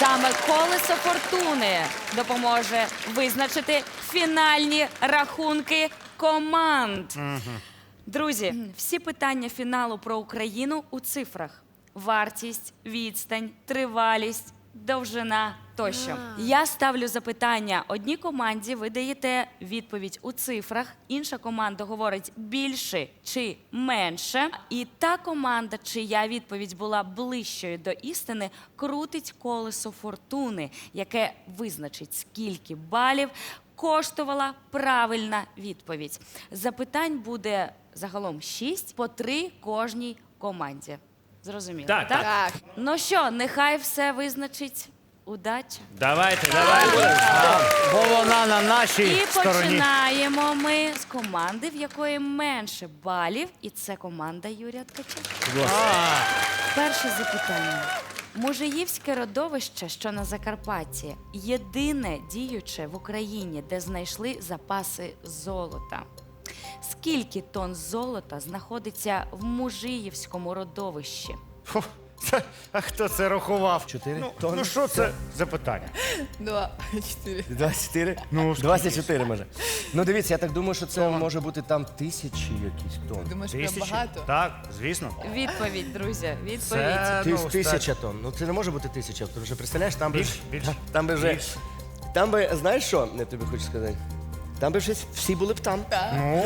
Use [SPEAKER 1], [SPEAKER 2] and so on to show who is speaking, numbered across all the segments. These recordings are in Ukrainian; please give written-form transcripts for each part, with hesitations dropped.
[SPEAKER 1] Саме колесо фортуни допоможе визначити фінальні рахунки команд. Друзі, всі питання фіналу про Україну у цифрах. Вартість, відстань, тривалість, довжина тощо. Я ставлю запитання одній команді, ви даєте відповідь у цифрах, інша команда говорить більше чи менше. І та команда, чия відповідь була ближчою до істини, крутить колесо фортуни, яке визначить, скільки балів коштувала правильна відповідь. Запитань буде загалом 6, по 3 кожній команді. Зрозуміло?
[SPEAKER 2] Так.
[SPEAKER 1] Ну що, нехай все визначить удача.
[SPEAKER 2] Давайте.
[SPEAKER 3] Бо вона на нашій
[SPEAKER 1] І
[SPEAKER 3] стороні.
[SPEAKER 1] починаємо ми з команди, в якої менше балів, і це команда Юрія Ткача. Перше запитання. Мужиївське родовище, що на Закарпатті, єдине діюче в Україні, де знайшли запаси золота. Скільки тонн золота знаходиться в Мужиївському родовищі?
[SPEAKER 3] Фу, а хто це рахував?
[SPEAKER 4] 4
[SPEAKER 3] Ну що це за питання?
[SPEAKER 5] 2, 4.
[SPEAKER 4] 24?
[SPEAKER 3] Ну,
[SPEAKER 4] 24 може. Ну дивіться, я так думаю, що це може бути там тисячі якісь тонн.
[SPEAKER 5] Думаєш, прям
[SPEAKER 3] Тисячі?
[SPEAKER 5] багато?
[SPEAKER 3] Так, звісно.
[SPEAKER 1] Відповідь, друзі, відповідь.
[SPEAKER 3] Це, ну,
[SPEAKER 4] Тисяча тонн. Ну це не може бути тисяча, тому що представляєш, там би...
[SPEAKER 3] Більше.
[SPEAKER 4] Там би вже...
[SPEAKER 3] Більше.
[SPEAKER 4] Там би, знаєш що, я тобі хочу сказати? Там би вже всі були б там.
[SPEAKER 3] Ну,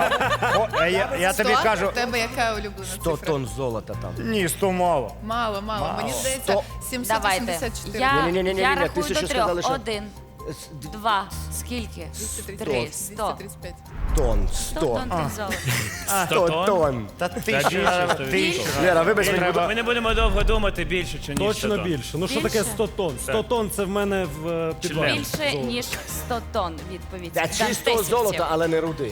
[SPEAKER 3] я тобі
[SPEAKER 5] 100?
[SPEAKER 3] кажу,
[SPEAKER 5] У тебе яка улюблена
[SPEAKER 4] 100
[SPEAKER 5] цифра?
[SPEAKER 4] тонн золота там.
[SPEAKER 3] ні, 100 мало.
[SPEAKER 5] Мало. Мені здається,
[SPEAKER 4] 100.
[SPEAKER 5] 784.
[SPEAKER 4] Ні-ні-ні-ні-ні,
[SPEAKER 1] Я рахую до
[SPEAKER 4] тисячу
[SPEAKER 1] 3.
[SPEAKER 4] сказали, що-
[SPEAKER 1] 1, 2, скільки? 3, 100.
[SPEAKER 5] 235.
[SPEAKER 4] Тонн,
[SPEAKER 1] 100
[SPEAKER 4] 100.
[SPEAKER 1] тонн тих золота.
[SPEAKER 4] 100 тонн.
[SPEAKER 3] Та
[SPEAKER 2] більше,
[SPEAKER 3] тисяча.
[SPEAKER 4] Лера, вибач мені, будь
[SPEAKER 2] Ми не будемо довго думати більше, чи ніж
[SPEAKER 6] Точно
[SPEAKER 2] 100 тонн.
[SPEAKER 6] більше. Ну що
[SPEAKER 1] Більше?
[SPEAKER 6] таке 100 тонн? 100 тонн це в мене в підвалі.
[SPEAKER 1] Більше,
[SPEAKER 6] Золото.
[SPEAKER 1] ніж 100 тонн, відповідь.
[SPEAKER 4] Та чистого
[SPEAKER 1] Дантесівців.
[SPEAKER 4] золота, але не руди.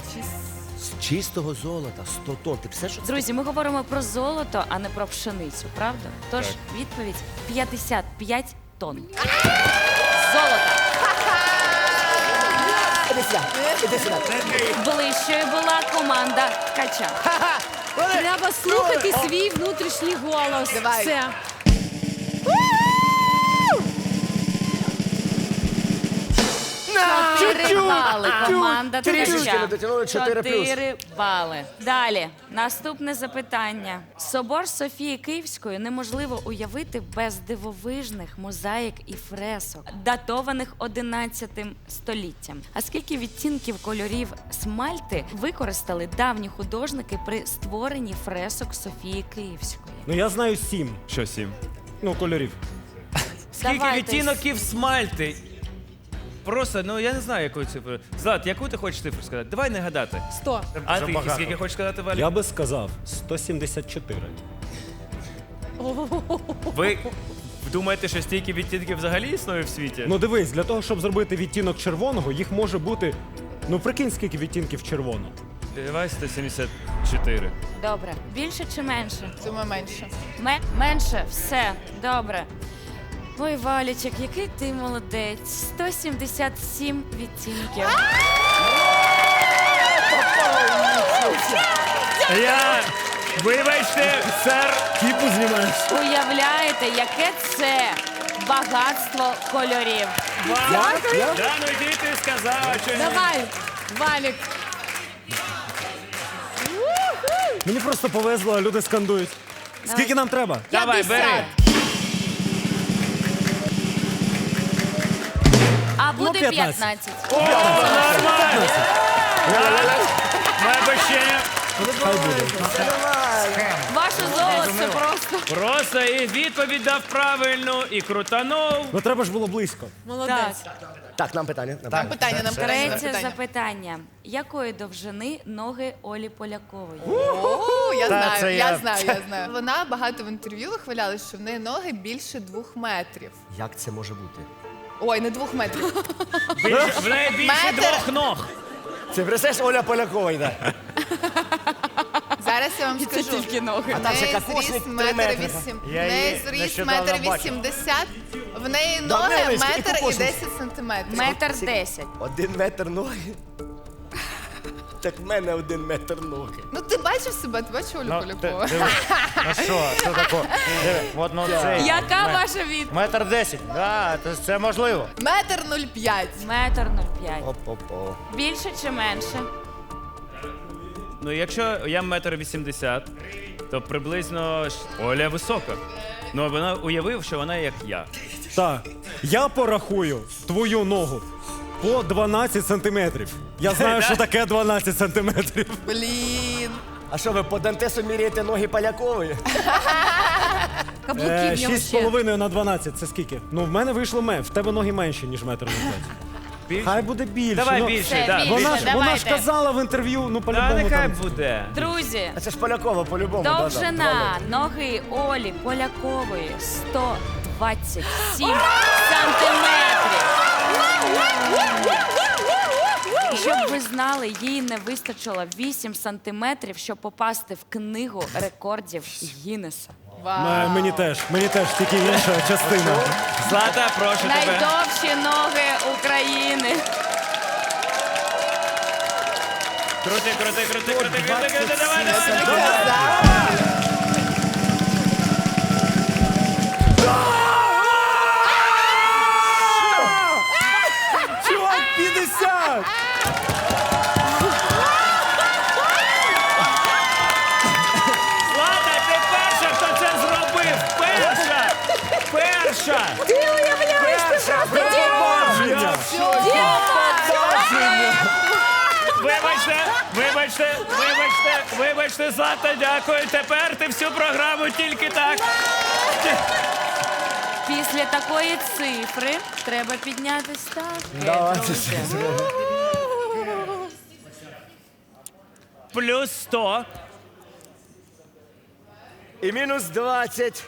[SPEAKER 4] З чистого золота, 100 тонн. Ти все, що це?
[SPEAKER 1] Друзі, ми говоримо про золото, а не про пшеницю, правда? Тож відповідь 55 тонн. Золота.
[SPEAKER 4] Іди сюди, іди сюди.
[SPEAKER 1] Ближчою була команда Ткача.
[SPEAKER 7] Треба слухати свій внутрішній голос.
[SPEAKER 5] Давай.
[SPEAKER 7] Все.
[SPEAKER 1] 4 бали. Команда
[SPEAKER 4] Трішечки
[SPEAKER 1] Ткача.
[SPEAKER 4] не дотягнули, 4 плюс.
[SPEAKER 1] 4 бали. Далі. Наступне запитання. Собор Софії Київської неможливо уявити без дивовижних мозаїк і фресок, датованих 11 століттям. А скільки відтінків кольорів смальти використали давні художники при створенні фресок Софії Київської?
[SPEAKER 6] Ну я знаю 7.
[SPEAKER 2] Що 7?
[SPEAKER 6] Ну, кольорів.
[SPEAKER 2] Скільки
[SPEAKER 1] Давайте.
[SPEAKER 2] відтінків смальти? Просто, ну я не знаю, якої цифри. Злат, яку ти хочеш цифру сказати? Давай не гадати.
[SPEAKER 7] 100.
[SPEAKER 2] А ти
[SPEAKER 3] Забагато.
[SPEAKER 2] скільки хочеш сказати, Валя?
[SPEAKER 6] Я би сказав 174.
[SPEAKER 2] Ви думаєте, що стільки відтінків взагалі існує в світі?
[SPEAKER 6] Ну дивись, для того, щоб зробити відтінок червоного, їх може бути. Ну прикинь, скільки відтінків червоного.
[SPEAKER 2] Давай 174.
[SPEAKER 1] Добре. Більше чи менше?
[SPEAKER 5] Думаю, менше.
[SPEAKER 1] Менше? Все. Добре. Ой, Валічик, який ти молодець. 177 відтінків.
[SPEAKER 2] Вибачте, сер.
[SPEAKER 6] Кіпу знімаєш.
[SPEAKER 1] Уявляєте, яке це багатство кольорів.
[SPEAKER 2] Да, ну йди ти сказала, що ні.
[SPEAKER 7] Давай, Валік.
[SPEAKER 6] Мені просто повезло, а люди скандують. Скільки нам треба?
[SPEAKER 2] Давай, бери.
[SPEAKER 7] 50.
[SPEAKER 1] А буде
[SPEAKER 6] 15.
[SPEAKER 1] 15.
[SPEAKER 2] О, нормально. Моє обещання.
[SPEAKER 6] Хай буде.
[SPEAKER 1] Ваше золото це просто.
[SPEAKER 2] Просто і відповідь дав правильну, і крутанув.
[SPEAKER 6] Ну треба ж було близько.
[SPEAKER 7] Молодець.
[SPEAKER 4] Так, нам питання.
[SPEAKER 5] Питання нам
[SPEAKER 1] Третє запитання. Якої довжини ноги Олі Полякової?
[SPEAKER 5] Я
[SPEAKER 3] Та, це
[SPEAKER 5] знаю. Вона багато в інтерв'ю вихвалялась, що в неї ноги більше 2 метрів.
[SPEAKER 4] Як це може бути?
[SPEAKER 5] Ой, не 2 метрів.
[SPEAKER 2] В неї більше
[SPEAKER 5] Метр.
[SPEAKER 2] 2 ног.
[SPEAKER 4] Це представляєш, Оля Полякова йде.
[SPEAKER 5] Зараз я вам скажу.
[SPEAKER 1] тільки ноги.
[SPEAKER 4] А там ще
[SPEAKER 5] В неї
[SPEAKER 4] кокосник
[SPEAKER 5] зріст
[SPEAKER 4] 3
[SPEAKER 5] метр
[SPEAKER 4] метри.
[SPEAKER 5] 8. В
[SPEAKER 3] Я
[SPEAKER 5] неї
[SPEAKER 3] її
[SPEAKER 5] зріст
[SPEAKER 3] нещодавно
[SPEAKER 5] метр
[SPEAKER 3] бачив.
[SPEAKER 5] 80. В неї
[SPEAKER 4] Да,
[SPEAKER 5] ноги
[SPEAKER 4] невеличкі, і
[SPEAKER 5] метр і
[SPEAKER 4] кокосник.
[SPEAKER 5] 10 сантиметрів.
[SPEAKER 1] Метр 10.
[SPEAKER 4] 1 метр ноги. Так в мене 1 метр ноги.
[SPEAKER 5] Ну ти бачив себе, ти бачив Олю
[SPEAKER 3] Ну,
[SPEAKER 5] Полякову?
[SPEAKER 3] ну що таке? Диви, от, ну, це...
[SPEAKER 1] Яка ваша відповідь?
[SPEAKER 3] 1,10 м. Да, це можливо.
[SPEAKER 5] 1,05 м.
[SPEAKER 1] Метр 0,5.
[SPEAKER 4] Оп-оп-оп.
[SPEAKER 1] Більше чи менше?
[SPEAKER 2] Ну, якщо я 1,80 м, то приблизно Оля висока. Ну, вона уявив, що вона як я.
[SPEAKER 6] Так, я порахую твою ногу по 12 сантиметрів. Я знаю, що таке 12 сантиметрів.
[SPEAKER 5] Блін.
[SPEAKER 4] А що ви по Дантесу міряєте ноги Полякової?
[SPEAKER 7] Каблуки в нього ще.
[SPEAKER 6] 6,5 на 12 це скільки? Ну, в мене вийшло в тебе ноги менші, ніж метр на 5.
[SPEAKER 2] Більше?
[SPEAKER 6] Хай буде більше.
[SPEAKER 2] Давай
[SPEAKER 6] ну,
[SPEAKER 2] більше,
[SPEAKER 1] Все,
[SPEAKER 2] да.
[SPEAKER 1] більше.
[SPEAKER 6] Вона ж
[SPEAKER 1] Давайте.
[SPEAKER 6] казала в інтерв'ю, ну
[SPEAKER 2] Та
[SPEAKER 6] по-любому
[SPEAKER 2] нехай
[SPEAKER 6] там.
[SPEAKER 2] буде.
[SPEAKER 1] Друзі,
[SPEAKER 4] А це ж Полякова по-любому. да-да, 2
[SPEAKER 1] довжина
[SPEAKER 4] метри.
[SPEAKER 1] ноги Олі Полякової 127 сантиметрів. І щоб ви знали, їй не вистачило 8 сантиметрів, щоб попасти в книгу рекордів Гіннеса.
[SPEAKER 5] Вау.
[SPEAKER 6] Мені теж, тільки інша частина.
[SPEAKER 2] Злата, прошу тебе.
[SPEAKER 1] Найдовші ноги України.
[SPEAKER 2] Крути, давай.
[SPEAKER 6] Чувак, 50!
[SPEAKER 2] Злата, ти перша, хто це зробив! Перша! Перша! Ти уявляєш, ти просто Вибачте, Злата, дякую. Тепер ти всю програму тільки так.
[SPEAKER 1] Після такої цифри треба підняти ставки.
[SPEAKER 4] Давайте
[SPEAKER 1] друзі.
[SPEAKER 4] ще зробимо.
[SPEAKER 2] Плюс 100.
[SPEAKER 4] І мінус 20.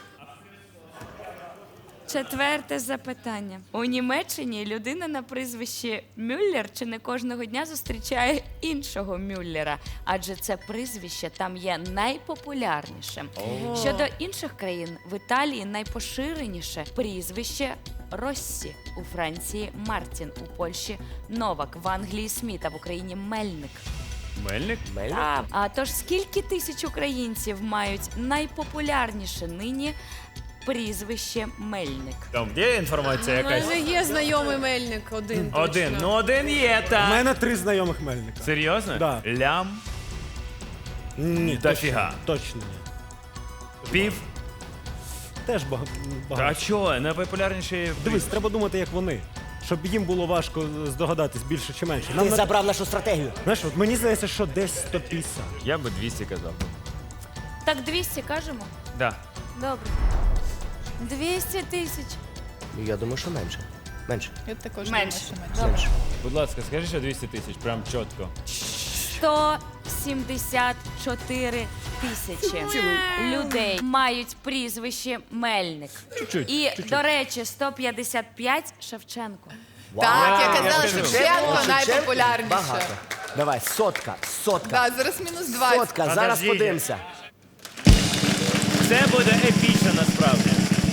[SPEAKER 1] Четверте запитання. У Німеччині людина на прізвищі Мюллер чи не кожного дня зустрічає іншого Мюллера, адже це прізвище там є найпопулярнішим. Щодо інших країн, в Італії найпоширеніше прізвище Россі, у Франції Мартін, у Польщі Новак, в Англії Сміт, а в Україні Мельник.
[SPEAKER 2] Мельник?
[SPEAKER 1] Так. А тож скільки тисяч українців мають найпопулярніше нині прізвище Мельник?
[SPEAKER 2] Там є інформація
[SPEAKER 7] У
[SPEAKER 2] якась?
[SPEAKER 7] мене є знайомий мельник один.
[SPEAKER 2] Один.
[SPEAKER 7] точно.
[SPEAKER 2] Ну, один є,
[SPEAKER 6] У
[SPEAKER 2] так.
[SPEAKER 6] мене 3 знайомих мельника.
[SPEAKER 2] Серйозно?
[SPEAKER 6] Да.
[SPEAKER 2] Лям,
[SPEAKER 6] Ні,
[SPEAKER 2] Дофіга.
[SPEAKER 6] Точно ні.
[SPEAKER 2] пів.
[SPEAKER 6] Теж
[SPEAKER 2] А
[SPEAKER 6] багато.
[SPEAKER 2] чого? Найпопулярніші...
[SPEAKER 6] Дивись, треба думати, як вони. Щоб їм було важко здогадатись більше чи менше. Нам
[SPEAKER 4] Ти забрав нашу стратегію.
[SPEAKER 6] знаєш, от мені здається, що десь 150.
[SPEAKER 2] Я би 200 казав.
[SPEAKER 1] Так 200 кажемо?
[SPEAKER 2] Да.
[SPEAKER 1] Добре. 200 тисяч.
[SPEAKER 4] Я думаю, що менше. Менше.
[SPEAKER 5] Я також
[SPEAKER 1] Менше.
[SPEAKER 5] думаю, що менше.
[SPEAKER 1] Добре.
[SPEAKER 2] Будь ласка, скажи, що 200 тисяч, прям чітко.
[SPEAKER 1] 174 тисячі людей мають прізвище Мельник. І, до речі, 155 Шевченко.
[SPEAKER 5] Так, я
[SPEAKER 2] я
[SPEAKER 5] казала,
[SPEAKER 2] кажу.
[SPEAKER 5] що Шевченко найпопулярніше.
[SPEAKER 4] Багато. Давай, сотка.
[SPEAKER 5] Так, зараз мінус 20.
[SPEAKER 4] Сотка, зараз
[SPEAKER 3] Подождіть.
[SPEAKER 4] подивимося.
[SPEAKER 2] Це буде епічно насправді.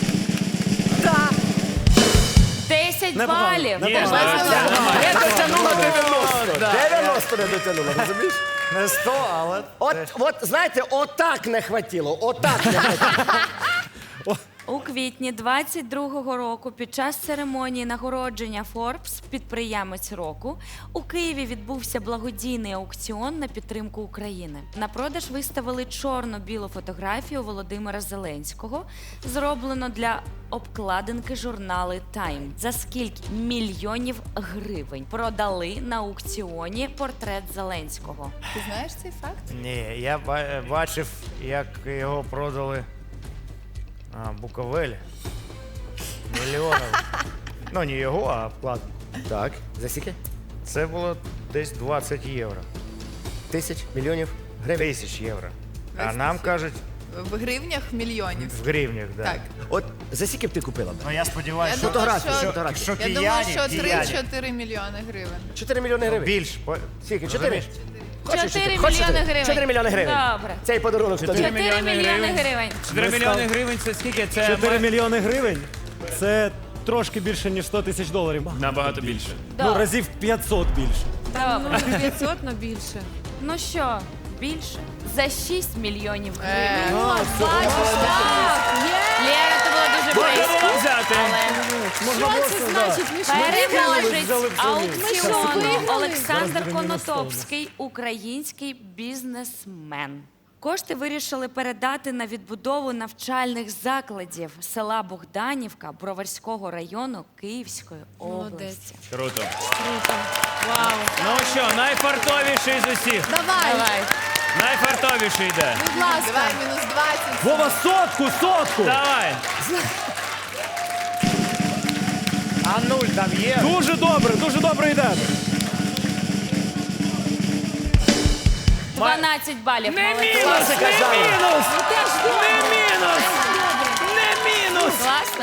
[SPEAKER 1] 10
[SPEAKER 6] Непогано,
[SPEAKER 1] балів.
[SPEAKER 6] непогано.
[SPEAKER 4] Не дотягнула 90. 90 не дотягнула, розумієш?
[SPEAKER 3] Не 100, але...
[SPEAKER 4] От, знаєте, отак не хватило, отак не хватило.
[SPEAKER 1] У квітні 22-го року під час церемонії нагородження Forbes «Підприємець року» у Києві відбувся благодійний аукціон на підтримку України. На продаж виставили чорно-білу фотографію Володимира Зеленського, зроблено для обкладинки журнали Time. За скільки мільйонів гривень продали на аукціоні портрет Зеленського?
[SPEAKER 5] Ти знаєш цей факт?
[SPEAKER 3] Ні, я бачив, як його продали Буковель. Мільйонів. Ну, не його, а обкладинку.
[SPEAKER 4] Так, за скільки?
[SPEAKER 3] Це було десь 20 євро.
[SPEAKER 4] Тисяч, мільйонів гривень.
[SPEAKER 3] 1000 євро. А
[SPEAKER 5] 20
[SPEAKER 3] нам
[SPEAKER 5] тисяч.
[SPEAKER 3] кажуть,
[SPEAKER 5] В гривнях мільйонів.
[SPEAKER 3] в гривнях, да.
[SPEAKER 5] Так.
[SPEAKER 4] От за скільки б ти купила?
[SPEAKER 3] Ну, я сподіваюся,
[SPEAKER 5] Я
[SPEAKER 3] що,
[SPEAKER 5] думаю,
[SPEAKER 4] Фотографії,
[SPEAKER 5] що-
[SPEAKER 4] фотографії.
[SPEAKER 3] що
[SPEAKER 5] Я думаю,
[SPEAKER 3] кияні,
[SPEAKER 5] що
[SPEAKER 3] кияні.
[SPEAKER 5] 3-4 мільйони гривень.
[SPEAKER 4] 4 мільйони гривень.
[SPEAKER 3] Більш.
[SPEAKER 4] Скільки? 4?
[SPEAKER 3] Розумієш?
[SPEAKER 1] 4 мільйони гривень.
[SPEAKER 4] 4 мільйони гривень.
[SPEAKER 1] Добре.
[SPEAKER 4] Цей подарунок тобі.
[SPEAKER 1] 4 мільйони гривень.
[SPEAKER 2] 4 мільйони гривень це скільки? Це
[SPEAKER 6] 4 мільйони гривень – це трошки більше, ніж 100 тисяч доларів.
[SPEAKER 2] набагато більше.
[SPEAKER 6] Ну, разів 500 більше.
[SPEAKER 1] Добре.
[SPEAKER 7] 500 на більше.
[SPEAKER 1] Ну що, більше? За 6 мільйонів гривень.
[SPEAKER 7] Бачиш, так, є.
[SPEAKER 1] Лєра, це було дуже
[SPEAKER 2] Можна
[SPEAKER 1] близько.
[SPEAKER 2] було взяти.
[SPEAKER 7] Що це значить? Ми ж
[SPEAKER 1] Переможець
[SPEAKER 6] взяли в
[SPEAKER 1] аукціону
[SPEAKER 7] виграли.
[SPEAKER 1] Олександр
[SPEAKER 6] Зараз буде мінус
[SPEAKER 1] Конотопський, український бізнесмен. Кошти вирішили передати на відбудову навчальних закладів села Богданівка Броварського району Київської області.
[SPEAKER 2] Круто.
[SPEAKER 7] Вау.
[SPEAKER 2] Ну що, найфартовіший з усіх.
[SPEAKER 7] Давай,
[SPEAKER 2] Найфартовіший йде.
[SPEAKER 7] будь ласка.
[SPEAKER 5] Давай мінус 20.
[SPEAKER 6] Вова, сотку!
[SPEAKER 2] Давай.
[SPEAKER 3] А нуль там є?
[SPEAKER 6] Дуже добре йде.
[SPEAKER 1] 12 балів.
[SPEAKER 2] Не
[SPEAKER 1] молодець.
[SPEAKER 2] мінус, не мінус. Не мінус. Не мінус.
[SPEAKER 1] Класно.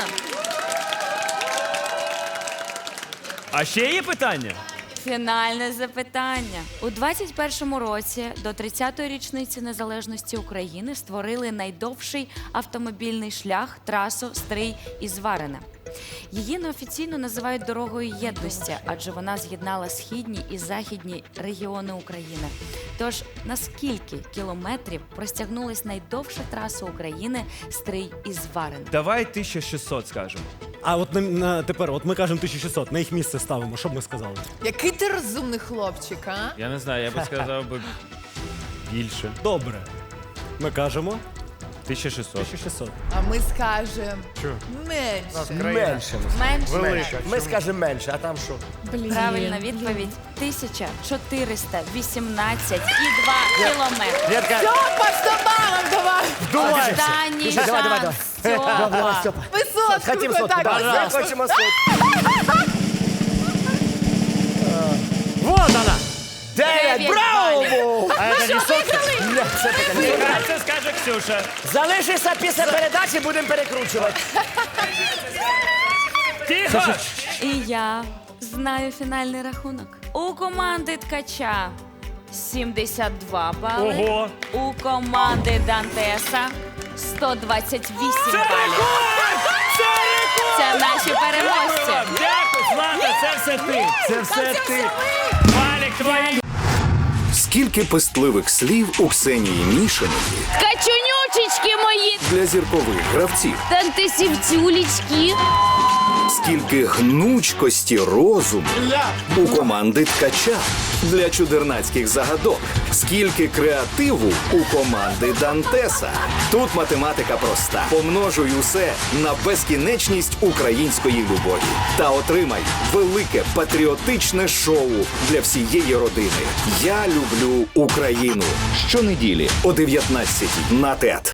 [SPEAKER 2] А ще є питання?
[SPEAKER 1] Фінальне запитання. У 21-му році до 30-ї річниці незалежності України створили найдовший автомобільний шлях трасу Стрий-Ізварине. Її неофіційно називають дорогою єдності, адже вона з'єднала східні і західні регіони України. Тож на скільки кілометрів простягнулась найдовша траса України Стрий-Ізварине?
[SPEAKER 2] Давай 1600 скажемо.
[SPEAKER 6] А от тепер, от ми кажемо 1600, на їх місце ставимо. Що б ми сказали?
[SPEAKER 5] Який ти розумний хлопчик, а?
[SPEAKER 2] Я не знаю, я би сказав би більше.
[SPEAKER 6] Добре. Ми кажемо
[SPEAKER 2] 1600.
[SPEAKER 6] 1600.
[SPEAKER 5] А ми скажемо менше.
[SPEAKER 3] Менше.
[SPEAKER 1] Менше.
[SPEAKER 3] Велика.
[SPEAKER 4] Ми скажемо менше, а там що?
[SPEAKER 1] Правильна відповідь 1418,2 кілометри.
[SPEAKER 3] Лєрка,
[SPEAKER 5] Стьопа, 100 балів давай!
[SPEAKER 1] Останній
[SPEAKER 4] Давай, давай,
[SPEAKER 1] шанс.
[SPEAKER 4] Давай,
[SPEAKER 1] Стьопа.
[SPEAKER 4] Степа.
[SPEAKER 5] Висотку
[SPEAKER 4] Хотім сотку,
[SPEAKER 5] так.
[SPEAKER 4] давай. Ми хочемо сотку.
[SPEAKER 6] Вот вона!
[SPEAKER 4] 9,
[SPEAKER 1] 9
[SPEAKER 4] браво!
[SPEAKER 3] а це не сотка?
[SPEAKER 4] Ні, це питання.
[SPEAKER 2] А це скаже Ксюша.
[SPEAKER 4] Залишися після передачі, будемо перекручувати.
[SPEAKER 2] Тихо!
[SPEAKER 1] І я знаю фінальний рахунок. У команди Ткача 72 бали.
[SPEAKER 2] Ого!
[SPEAKER 1] У команди Дантеса 128
[SPEAKER 2] Це
[SPEAKER 1] балів.
[SPEAKER 2] рекорд! Це рекорд!
[SPEAKER 1] Це наші переможці.
[SPEAKER 2] Дякую вам! Дякую, Злата, це все ти!
[SPEAKER 4] Це все ти.
[SPEAKER 2] Валік, твої!
[SPEAKER 8] Скільки пестливих слів у Ксенії Мішиної
[SPEAKER 9] Качунючечки мої,
[SPEAKER 8] для зіркових гравців,
[SPEAKER 9] тантисівцюлічки.
[SPEAKER 8] скільки гнучкості розуму у команди Ткача для чудернацьких загадок, скільки креативу у команди Дантеса. Тут математика проста. Помножуй усе на безкінечність української любові та отримай велике патріотичне шоу для всієї родини. Я люблю Україну. Щонеділі о 19:00 на ТЕТ.